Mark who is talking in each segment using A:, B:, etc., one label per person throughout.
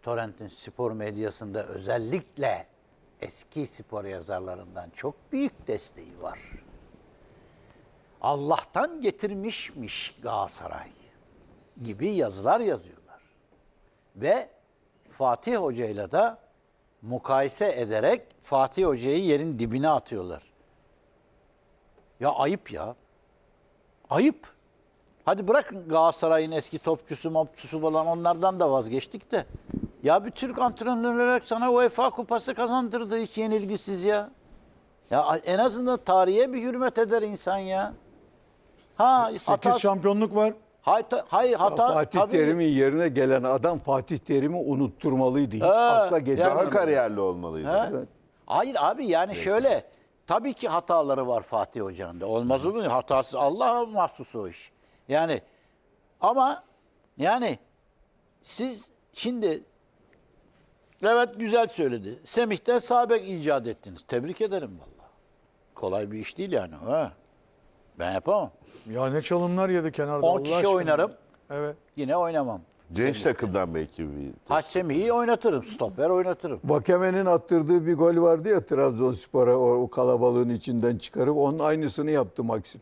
A: Torrent'in spor medyasında özellikle eski spor yazarlarından çok büyük desteği var. Allah'tan getirmişmiş Galatasaray gibi yazılar yazıyorlar. Ve Fatih Hoca'yla da mukayese ederek Fatih Hoca'yı yerin dibine atıyorlar. Ya ayıp ya. Ayıp. Hadi bırakın Galatasaray'ın eski topçusu falan onlardan da vazgeçtik de. Ya bir Türk antrenör olarak sana UEFA kupası kazandırdı hiç yenilgisiz ya. Ya en azından tarihe bir hürmet eder insan ya. Ha,
B: 8 şampiyonluk var.
A: Hayır hata
C: Fatih
A: tabii.
C: Terim'in yerine gelen adam Fatih Terim'i unutturmalıydı. Hiç akla
D: Daha
C: getirmedi.
D: kariyerli olmalıydı.
A: He?
C: Evet.
A: Hayır abi yani şöyle tabii ki hataları var Fatih Hoca'nın da. Olmaz olur mu? Hatası Allah'a mahsus o iş. Yani ama yani siz şimdi Levent güzel söyledi. Semih'ten sağ bek icat ettiniz. Tebrik ederim vallahi. Kolay bir iş değil yani. Ha. Ben yapamam.
B: Ya ne çalımlar yedi kenarda.
A: 10
B: Allah
A: kişi
B: aşkına.
A: oynarım.
B: Evet.
A: Yine oynamam.
D: Genç takımdan belki bir...
A: Ha Semih'i oynatırım. Stoper oynatırım.
C: Vakeme'nin attırdığı bir gol vardı ya Trabzonspor'a o kalabalığın içinden çıkarıp onun aynısını yaptı Maxim.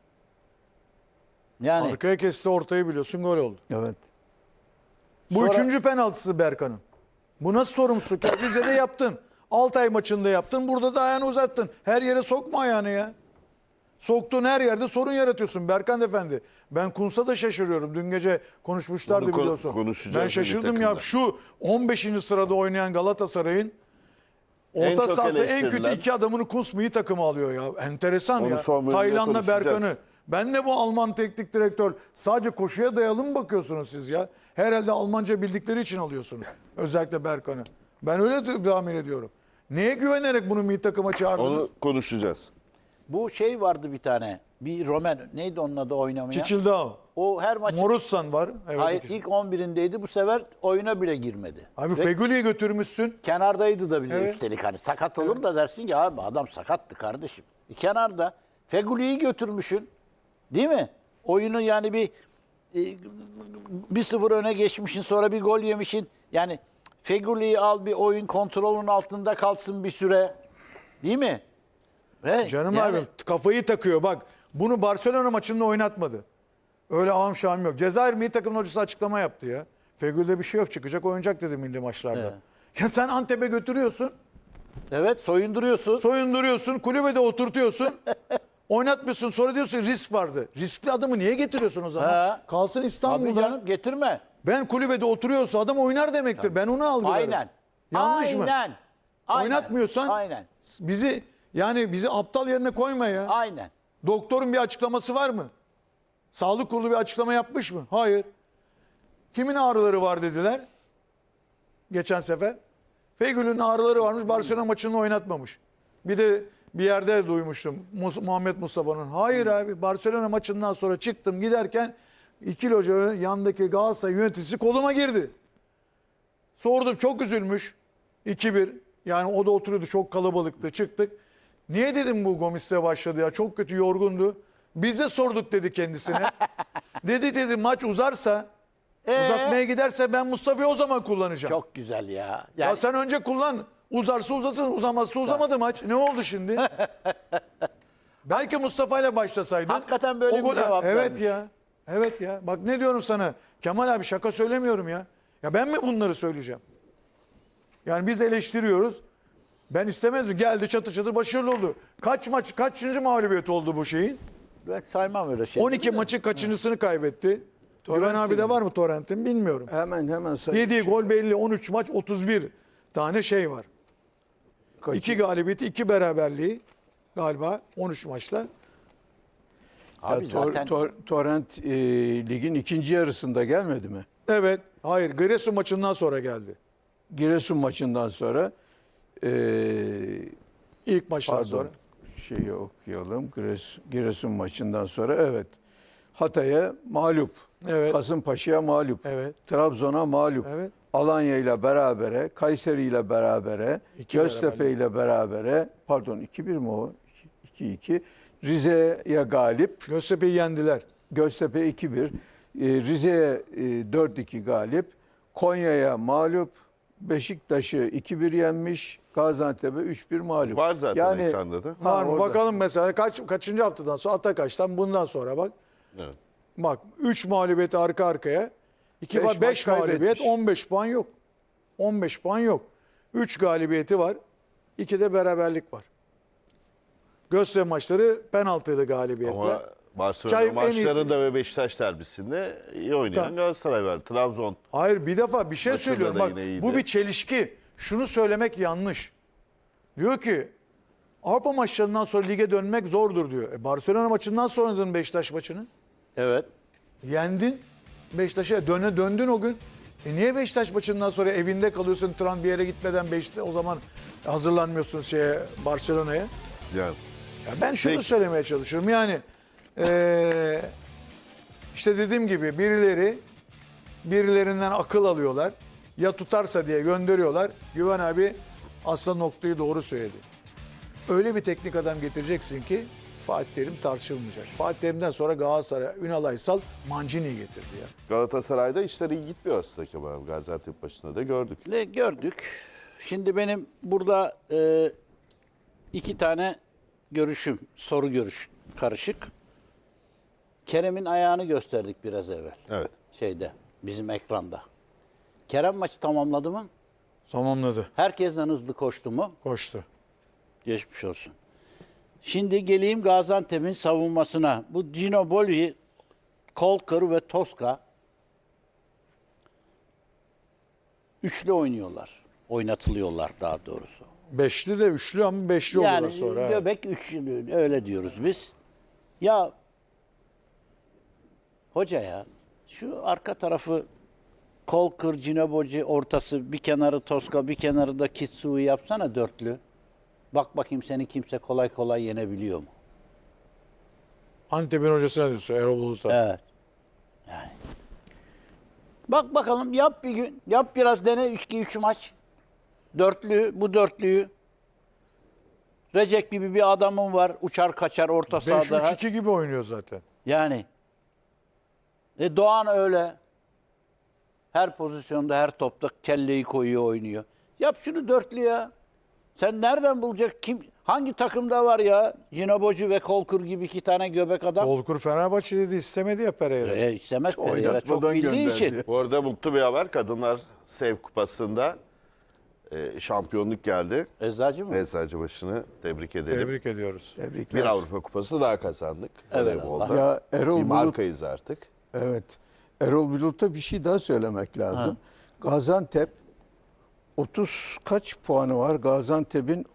A: Yani
B: Arkaya kesti, ortayı biliyorsun, gol oldu.
C: Evet.
B: Bu
A: Sonra-
B: üçüncü penaltısı Berkan'ın. Bu nasıl sorumsuzluk? Ya Rize'de yaptın. Altay maçında yaptın. Burada da ayağını uzattın. Her yere sokma ayağını ya. Soktuğun her yerde sorun yaratıyorsun Berkan Efendi. Ben Kuntz'a da şaşırıyorum. Dün gece konuşmuşlardı
D: Onu
B: biliyorsun.
D: konuşacağız
B: Ben
D: milli
B: şaşırdım ya.
D: takımda.
B: Şu 15. sırada oynayan Galatasaray'ın
D: En
B: orta
D: çok
B: sahası en kötü
D: eleştirilen-
B: iki adamını Kuntz milli takımı alıyor ya. Enteresan
D: Onu
B: ya.
D: son bölümde
B: Taylan'la
D: konuşacağız.
B: Berkan'ı. Ben de bu Alman teknik direktör sadece koşuya dayalı mı bakıyorsunuz siz ya? Herhalde Almanca bildikleri için alıyorsunuz. Özellikle Berkan'ı. Ben öyle tahmin ediyorum. Neye güvenerek bunu milli takıma çağırdınız?
D: Onu konuşacağız.
A: bu şey vardı bir tane. Bir Romen neydi onun adı oynamaya?
B: Çiçildao.
A: O her maç
B: Morussan var. Evet,
A: hayır
B: ikisi.
A: ilk 11'indeydi. Bu sefer oyuna bile girmedi.
B: Abi
A: Ve
B: Fegüli'yi götürmüşsün.
A: kenardaydı da bile
B: Evet.
A: üstelik hani sakat olur da dersin ki abi adam sakattı kardeşim. Kenarda Feguli'yi götürmüşsün. Değil mi? Oyunu yani bir 1-0 öne geçmişin sonra bir gol yemişin. Yani Feguli'yi al bir oyun kontrolün altında kalsın bir süre. Değil mi? Ve
B: Canım
A: yani-
B: abi kafayı takıyor bak. Bunu Barcelona maçında oynatmadı. Öyle ağam şahım yok. Cezayir milli takımın hocası açıklama yaptı ya. Fegül'de bir şey yok, çıkacak oynayacak dedi milli maçlarda.
A: Evet.
B: Ya sen Antep'e götürüyorsun,
A: Evet soyunduruyorsun.
B: soyunduruyorsun, kulübede oturtuyorsun. Oynatmıyorsun, sonra diyorsun risk vardı. Riskli adamı niye getiriyorsun o zaman?
A: He.
B: Kalsın
A: Tabii
B: İstanbul'da.
A: canım getirme.
B: Ben kulübede oturuyorsa adam oynar demektir. Ben onu algılarım.
A: Aynen.
B: Yanlış mı?
A: Aynen.
B: Oynatmıyorsan
A: Aynen.
B: bizi aptal yerine koyma ya.
A: Aynen.
B: Doktorun bir açıklaması var mı? Sağlık kurulu bir açıklama yapmış mı? Hayır. Kimin ağrıları var dediler. Geçen sefer. Feygül'ün ağrıları varmış. Barcelona maçını oynatmamış. Bir de bir yerde duymuştum. Muhammed Mustafa'nın. Hayır abi. Barcelona maçından sonra çıktım giderken iki loca yandaki Galatasaray yöneticisi koluma girdi. Sordum, çok üzülmüş. 2-1. Yani o da oturuyordu, çok kalabalıktı. Çıktık. Niye dedim bu Gomis'le başladı ya? Çok kötü, yorgundu. Biz de sorduk dedi kendisine. dedi maç uzarsa, uzatmaya giderse ben Mustafa'yı o zaman kullanacağım.
A: Çok güzel ya.
B: Ya
A: Yani
B: sen önce kullan. Uzarsa uzasın, uzamazsa uzamadı maç. Ne oldu şimdi? Belki Mustafa ile başlasaydın.
A: Hakikaten böyle bir cevap
B: Evet
A: vermiş.
B: ya. Evet ya. Bak ne diyorum sana. Kemal abi şaka söylemiyorum ya. Ya ben mi bunları söyleyeceğim? Yani biz eleştiriyoruz. Ben istemezdim. Geldi çatır çatır başarılı oldu. Kaçıncı mağlubiyet oldu bu şeyin?
A: ben saymam öyle şey.
B: 12 maçın kaçıncısını kaybetti? Güven abi de var mı Torrent'in bilmiyorum.
C: Hemen sayın.
B: Yediği gol belli. 13 maç 31 tane şey var. 2 galibiyeti 2 beraberliği galiba 13 maçta.
A: Abi zaten
C: Torrent ligin ikinci yarısında gelmedi mi?
B: Evet. Hayır. Giresun maçından sonra geldi.
C: Giresun maçından sonra
B: İlk maçtan sonra.
C: şeyi okuyalım. Giresun maçından sonra evet. Hatay'a mağlup.
B: Evet.
C: Kasımpaşa'ya mağlup.
B: Evet.
C: Trabzon'a mağlup.
B: Evet.
C: Alanya ile berabere, Kayseri ile berabere,
B: İki
C: Göztepe ile berabere, pardon 2-1 mi o? 2-2. Rize'ye galip.
B: Göztepe'yi yendiler.
C: Göztepe 2-1. Rize'ye 4-2 galip. Konya'ya mağlup. Beşiktaş'ı 2-1 yenmiş, Gaziantep'e 3-1 mağlup.
D: Var zaten ekranda da.
B: Var mı?
C: orada.
B: Bakalım mesela kaçıncı haftadan sonra Atakaş'tan bundan sonra bak.
D: Evet.
B: Bak 3 mağlubiyet arka arkaya.
C: Beş
B: 5
C: maç
B: mağlubiyet
C: kaybetmiş.
B: 15 puan yok. 15 puan yok. 3 galibiyeti var. 2 de beraberlik var. Göztepe maçları penaltılı galibiyetler.
D: Ama Barcelona
B: Çay en
D: maçlarında ve Beşiktaş derbisinde iyi oynayan
B: Tamam.
D: Galatasaray var. Trabzon.
B: Hayır bir defa bir şey
D: Maçında
B: söylüyorum.
D: da
B: Bak
D: yine iyiydi.
B: bu bir çelişki. Şunu söylemek yanlış. Diyor ki Avrupa maçlarından sonra lige dönmek zordur diyor. Barcelona maçından sonra oynadın Beşiktaş maçını.
A: Evet.
B: Yendin. Beşiktaş'a döndün o gün. Niye Beşiktaş maçından sonra evinde kalıyorsun bir yere gitmeden o zaman hazırlanmıyorsun Barcelona'ya?
D: Yani.
B: Ya ben şunu
D: Peki.
B: söylemeye çalışıyorum. Yani işte dediğim gibi birilerinden akıl alıyorlar. Ya tutarsa diye gönderiyorlar. Güven abi aslında noktayı doğru söyledi. Öyle bir teknik adam getireceksin ki Fatih Terim tartışılmayacak. Fatih Terim'den sonra Galatasaray, Ünal Aysal, Mancini'yi getirdi ya.
D: Galatasaray'da işler iyi gitmiyor aslında Kemal. Gaziantep başında da gördük.
A: Ne gördük? Şimdi benim burada iki tane soru görüş karışık. Kerem'in ayağını gösterdik biraz evvel.
D: Evet.
A: Bizim ekranda. Kerem maçı tamamladı mı?
B: Tamamladı.
A: Herkesten hızlı koştu mu?
B: Koştu.
A: Geçmiş olsun. Şimdi geleyim Gaziantep'in savunmasına. Bu Ginobili, Kolkır ve Toska üçlü oynuyorlar. Oynatılıyorlar daha doğrusu.
B: Beşli de üçlü ama beşli oldular
A: Yani
B: sonra. evet.
A: göbek üçlü öyle diyoruz biz. Ya hoca ya şu arka tarafı Kolkır, Ginobili ortası bir kenarı Toska bir kenarı da Kitsui yapsana dörtlü. Bak bakayım seni kimse kolay kolay yenebiliyor mu?
B: Antep'in hocasına diyorsun Erol Bulut'a.
A: Evet. Yani. Bak bakalım yap bir gün. Yap biraz dene 3 maç. Bu dörtlüyü. Recep gibi bir adamın var. Uçar kaçar orta sahada.
B: 5-3-2 gibi oynuyor zaten.
A: Yani. Doğan öyle. Her pozisyonda her topta kelleyi koyuyor oynuyor. Yap şunu dörtlü ya. Sen nereden bulacak? Hangi takımda var ya? Ginobili ve Kolkır gibi iki tane göbek adam.
B: Kolkur Fenerbahçe dedi istemedi ya Pereira.
A: İstemez Pereira çok
C: Oynatmadan
A: bildiği
C: gönderdi.
A: için.
D: Bu arada mutlu bir haber. Kadınlar Sev Kupası'nda şampiyonluk geldi.
A: Eczacı mı?
D: Eczacıbaşı'nı tebrik edelim.
B: Tebrik ediyoruz.
C: Tebrikler.
D: Bir Avrupa Kupası daha kazandık.
A: Evet,
D: Voleybolda.
C: Ya Erol
D: Bir
C: Bulut,
D: markayız artık.
C: evet. Erol Bulut'a bir şey daha söylemek lazım. Gaziantep 30 kaç puanı var? Gaziantep'in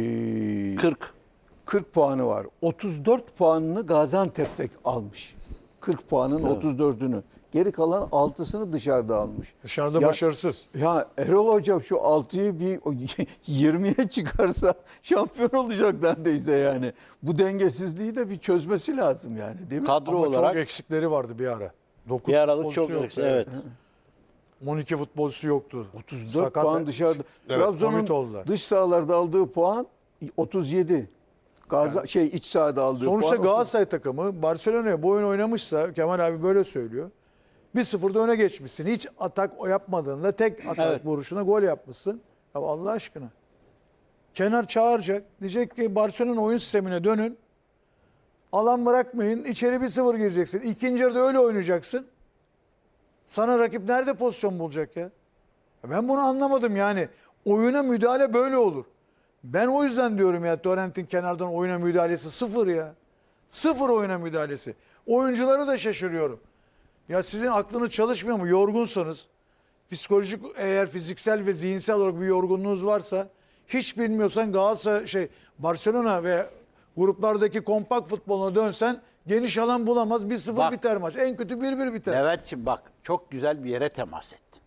C: 40 puanı var. 34 puanını Gaziantep'te almış. 40 puanın 34'ünü. Geri kalan 6'sını dışarıda almış.
B: Dışarıda
C: Ya-
B: başarısız.
C: Ya Erol Hoca şu 6'yı bir 20'ye çıkarsa şampiyon olacak neredeyse yani. Bu dengesizliği de bir çözmesi lazım yani değil mi?
A: Kadro
B: Ama
A: olarak
B: çok eksikleri vardı bir ara. 9
A: bir aralık çok eksik. Evet.
B: 12 futbolcusu yoktu.
C: 34
B: Sakat-
C: puan dışarıda.
D: Evet,
B: komit
C: Trabzon'un
B: oldular.
C: dış sahalarda aldığı puan 37. İç sahada aldığı
B: Sonuçta
C: puan
B: Galatasaray takımı Barcelona'ya bu oyun oynamışsa Kemal abi böyle söylüyor. 1-0'da öne geçmişsin. Hiç atak yapmadığında tek atak
A: Evet.
B: vuruşuna gol yapmışsın. Ya Allah aşkına. Kenar çağıracak. Diyecek ki Barcelona oyun sistemine dönün. Alan bırakmayın. İçeri 1-0 gireceksin. İkinci yarıda öyle oynayacaksın. Sana rakip nerede pozisyon bulacak ya? Ben bunu anlamadım yani. Oyuna müdahale böyle olur. Ben o yüzden diyorum ya Torrent'in kenardan oyuna müdahalesi sıfır ya. Sıfır oyuna müdahalesi. Oyuncuları da şaşırıyorum. Ya sizin aklınız çalışmıyor mu? Yorgunsanız, psikolojik eğer fiziksel ve zihinsel olarak bir yorgunluğunuz varsa, hiç bilmiyorsan Galatasaray, Barcelona ve gruplardaki kompakt futboluna dönsen geniş alan bulamaz. 1-0
A: Bak.
B: biter maç. En kötü 1-1 biter.
A: Levent'ciğim bak çok güzel bir yere temas ettin.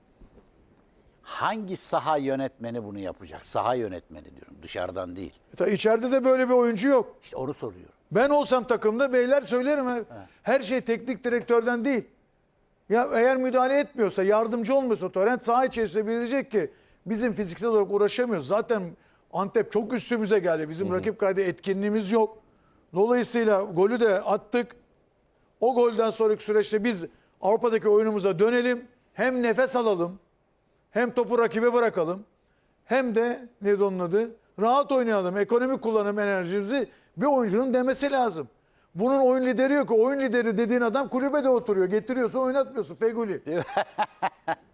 A: Hangi saha yönetmeni bunu yapacak? Saha yönetmeni diyorum dışarıdan değil.
B: İçeride de böyle bir oyuncu yok.
A: İşte onu soruyorum.
B: Ben olsam takımda beyler söylerim. Her şey teknik direktörden değil. Ya eğer müdahale etmiyorsa, yardımcı olmuyorsa Torrent saha içerisinde bilecek ki bizim fiziksel olarak uğraşamıyoruz. Zaten Antep çok üstümüze geldi. Bizim rakip kaydı etkinliğimiz yok. Dolayısıyla golü de attık. O golden sonraki süreçte biz Avrupa'daki oyunumuza dönelim. Hem nefes alalım. Hem topu rakibe bırakalım. Hem de neydi onun adı? Rahat oynayalım. Ekonomik kullanım enerjimizi bir oyuncunun demesi lazım. Bunun oyun lideri yok. Oyun lideri dediğin adam kulübede oturuyor. Getiriyorsun oynatmıyorsun. Feguli.